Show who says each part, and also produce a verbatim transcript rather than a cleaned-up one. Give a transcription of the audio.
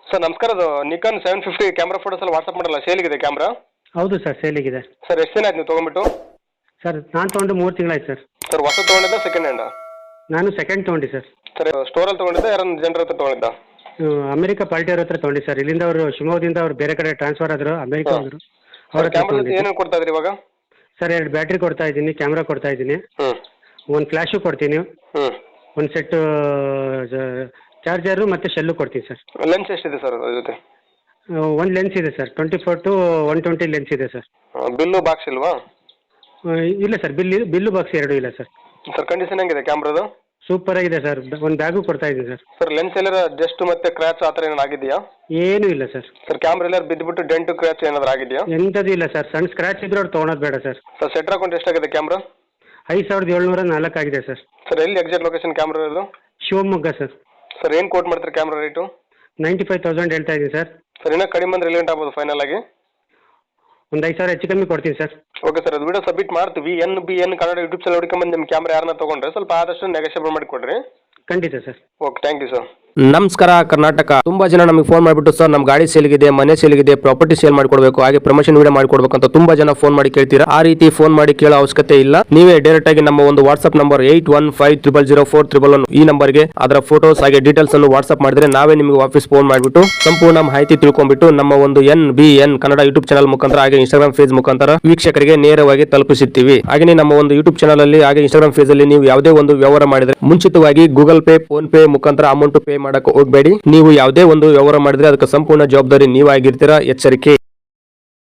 Speaker 1: Sir ನಮಸ್ಕಾರ. ಅದು Nikon seven fifty camera photos ಎಲ್ಲ ವಾಟ್ಸಪ್ ಮಾಡಲ್ಲ, ಸೇಲಿಗಿದೆ ಕ್ಯಾಮ್ರಾ?
Speaker 2: ಹೌದು ಸರ್, ಸೇಲಿಗಿದೆ.
Speaker 1: ಸರ್ ಎಷ್ಟು ದಿನ ಆಯ್ತು ನೀವು ತೊಗೊಂಬಿಟ್ಟು?
Speaker 2: ಸರ್ ನಾನು ತೊಗೊಂಡು ಮೂರು ತಿಂಗಳಾಯ್ತು ಸರ್.
Speaker 1: ಸರ್ ಹೊಸ ತೊಗೊಂಡಿದ್ದ ಸೆಕೆಂಡ್ ಹ್ಯಾಂಡ?
Speaker 2: ನಾನು ಸೆಕೆಂಡ್ ತೊಗೊಂಡೆ ಸರ್.
Speaker 1: ಸರ್ ಸ್ಟೋರಲ್ಲಿ ತೊಗೊಂಡಿದ್ದ ಯಾರನ್ನ ಜನರ ಹತ್ರ ತೊಗೊಂಡಿದ್ದ?
Speaker 2: ಅಮೆರಿಕ ಪಾರ್ಟಿ ಅವ್ರ ಹತ್ರ ತೊಗೊಂಡೆ ಸರ್. ಇಲ್ಲಿಂದ ಅವರು ಶಿವಮೊಗ್ಗದಿಂದ ಅವ್ರು ಬೇರೆ ಕಡೆ ಟ್ರಾನ್ಸ್ಫರ್ ಆದರು, ಅಮೆರಿಕ ಹೋದರು. ಅವ್ರ ಹತ್ರ
Speaker 1: ಕ್ಯಾಮ್ರಾ
Speaker 2: ತೊಗೊಂಡಿದ್ದೆ.
Speaker 1: ಏನೇನು ಕೊಡ್ತಾ ಇದ್ರಿ ಇವಾಗ?
Speaker 2: ಸರ್ ಎರಡು ಬ್ಯಾಟ್ರಿ ಕೊಡ್ತಾ ಇದ್ದೀನಿ, ಕ್ಯಾಮ್ರಾ ಕೊಡ್ತಾ ಇದ್ದೀನಿ,
Speaker 1: ಹ್ಞೂ
Speaker 2: ಒಂದು ಫ್ಲ್ಯಾಶು ಕೊಡ್ತೀನಿ,
Speaker 1: ಹ್ಞೂ
Speaker 2: ಒಂದು ಸೆಟ್ಟು ಚಾರ್ಜರು ಮತ್ತು ಶೆಲ್ಲು ಕೊಡ್ತೀನಿ ಸರ್.
Speaker 1: ಲೆನ್ಸ್ ಎಷ್ಟಿದೆ ಸರ್ ಅದ್ರ ಜೊತೆ?
Speaker 2: ಒಂದು ಲೆನ್ಸ್ ಇದೆ sir, twenty four to one twenty lens ಇದೆ ಸರ್.
Speaker 1: ಬಿಲ್ಲು ಬಾಕ್ಸ್ ಇಲ್ವಾ?
Speaker 2: ಇಲ್ಲ ಸರ್, ಬಿಲ್ ಬಿಲ್ಲು ಬಾಕ್ಸ್ ಎರಡೂ ಇಲ್ಲ ಸರ್.
Speaker 1: ಸರ್ ಕಂಡೀಷನ್ ಹೆಂಗಿದೆ ಕ್ಯಾಮ್ರಾದು?
Speaker 2: ಸೂಪರ್ ಆಗಿದೆ ಸರ್. ಒಂದು ಬ್ಯಾಗು ಕೊಡ್ತಾ ಇದ್ದೀನಿ ಸರ್.
Speaker 1: ಸರ್ ಲೆನ್ಸ್ ಎಲ್ಲರ ಜಸ್ಟ್ ಮತ್ತೆ ಕ್ರ್ಯಾಚ್ ಆ ಥರ ಏನಾರು ಆಗಿದೆಯಾ?
Speaker 2: ಏನೂ ಇಲ್ಲ ಸರ್.
Speaker 1: ಸರ್ ಕ್ಯಾಮ್ರಾ ಎಲ್ಲರೂ ಬಿದ್ದುಬಿಟ್ಟು ಡೆಂಟು ಕ್ರ್ಯಾಚ್ ಏನಾದ್ರು ಆಗಿದೆಯಾ?
Speaker 2: ಎಂಥದ್ದು ಇಲ್ಲ ಸರ್. ಸಣ್ಣ ಸ್ಕ್ರ್ಯಾಚ್ ಇದ್ರೆ ಅವ್ರು ತೊಗೊಳೋದು ಬೇಡ ಸರ್.
Speaker 1: ಸರ್ ಸೆಟ್ರ್ ಅಕೌಂಟ್ ಎಷ್ಟಾಗಿದೆ ಕ್ಯಾಮ್ರಾ?
Speaker 2: ಐದು ಸಾವಿರದ ಏಳ್ನೂರ ನಾಲ್ಕು ಆಗಿದೆ ಸರ್.
Speaker 1: ಸರ್ ಎಲ್ಲಿ ಎಕ್ಸಾಕ್ಟ್ ಲೊಕೇಶನ್ ಕ್ಯಾಮ್ರಾ ಇರೋದು?
Speaker 2: ಶಿವಮೊಗ್ಗ ಸರ್.
Speaker 1: ಸರ್ ಏನು ಕೋಟ್ ಮಾಡ್ತಾರೆ camera rate?
Speaker 2: Ninety five thousand ಹೇಳ್ತಾ ಇದ್ದೀನಿ ಸರ್.
Speaker 1: ಸರ್ ಇನ್ನೂ ಕಡಿಮೆ ಅಂದರೆ ಎಲ್ಲಿ ಗಂಟೆ ಆಗ್ಬೋದು ಫೈನಲ್ ಆಗಿ?
Speaker 2: ಒಂದು ಐದು ಸಾವಿರ ಹೆಚ್ಚು ಕಮ್ಮಿ ಕೊಡ್ತೀನಿ ಸರ್.
Speaker 1: ಓಕೆ ಸರ್, ಅದು ವಿಡಿಯೋ ಸಬ್ಮಿಟ್ ಮಾಡ್ತೀವಿ. N B N Kannada YouTube channel ಹುಡ್ಕೊಂಬಂದು ನಿಮ್ಮ ಕ್ಯಾಮ್ರಾ ಯಾರನ್ನ ತೊಗೊಂಡ್ರೆ ಸ್ವಲ್ಪ ಆದಷ್ಟು ನೆಗೋಷಿಯೇಟ್ ಮಾಡಿ ಕೊಡ್ರಿ.
Speaker 2: ಖಂಡಿತ sir.
Speaker 1: Okay, thank you sir.
Speaker 3: ನಮಸ್ಕಾರ ಕರ್ನಾಟಕ. ತುಂಬಾ ಜನ ನಮಗೆ ಫೋನ್ ಮಾಡಿಬಿಟ್ಟು ಸರ್ ನಮ್ಮ ಗಾಡಿ ಸೇಲ್ಗಿದೆ, ಮನೆ ಸೇಲ್ಗಿದೆ, ಪ್ರಾಪರ್ಟಿ ಸೇಲ್ ಮಾಡಿಕೊಡ್ಬೇಕು, ಹಾಗೆ ಪ್ರಮೋಷನ್ ವಿಡಿಯೋ ಮಾಡಿಕೊಡ್ಬೇಕು ಅಂತ ತುಂಬಾ ಜನ ಫೋನ್ ಮಾಡಿ ಕೇಳ್ತೀರಾ. ಆ ರೀತಿ ಫೋನ್ ಮಾಡಿ ಕೇಳೋ ಅವಶ್ಯಕತೆ ಇಲ್ಲ. ನೀವೇ ಡೈರೆಕ್ಟ್ ಆಗಿ ನಮ್ಮ ಒಂದು WhatsApp number eight one five triple zero four triple one ಈ ನಂಬರ್ಗೆ ಅದರ ಫೋಟೋಸ್ ಹಾಗೆ ಡೀಟೇಲ್ಸ್ ಅನ್ನು ವಾಟ್ಸ್ಆಪ್ ಮಾಡಿದ್ರೆ ನಾವೇ ನಿಮಗೆ ವಾಪಸ್ ಫೋನ್ ಮಾಡಿಬಿಟ್ಟು ಸಂಪೂರ್ಣ ಮಾಹಿತಿ ತಿಳ್ಕೊಂಡ್ಬಿಟ್ಟು ನಮ್ಮ ಒಂದು N B N Kannada YouTube channel ಮುಖಾಂತರ ಹಾಗೆ ಇನ್ಸ್ಟಾಗ್ರಾಮ್ ಫೇಸ್ ಮುಖಾಂತರ ವೀಕ್ಷಕರಿಗೆ ನೇರವಾಗಿ ತಲುಪಿಸುತ್ತೀವಿ. ಹಾಗೆ ನಮ್ಮ ಒಂದು ಯೂಟ್ಯೂಬ್ ಚಾನಲ್ ಅಲ್ಲಿ ಹಾಗೆ ಇನ್ಸ್ಟಾಗ್ರಾಮ್ ಫೇಸ್ ಅಲ್ಲಿ ನೀವು ಯಾವುದೇ ಒಂದು ವ್ಯವಹಾರ ಮಾಡಿದ್ರೆ ಮುಂಚಿತವಾಗಿ ಗೂಗಲ್ ಪೇ, ಫೋನ್ ಪೇ ಮುಖಾಂತರ ಅಮೌಂಟ್ ಪೇ ಮಾಡಕ್ಕೆ ಹೋಗಬೇಡಿ. ನೀವು ಯಾವುದೇ ಒಂದು ವ್ಯವಹಾರ ಮಾಡಿದ್ರೆ ಅದಕ್ಕೆ ಸಂಪೂರ್ಣ ಜವಾಬ್ದಾರಿ ನೀವಾಗಿರ್ತೀರಾ. ಎಚ್ಚರಿಕೆ.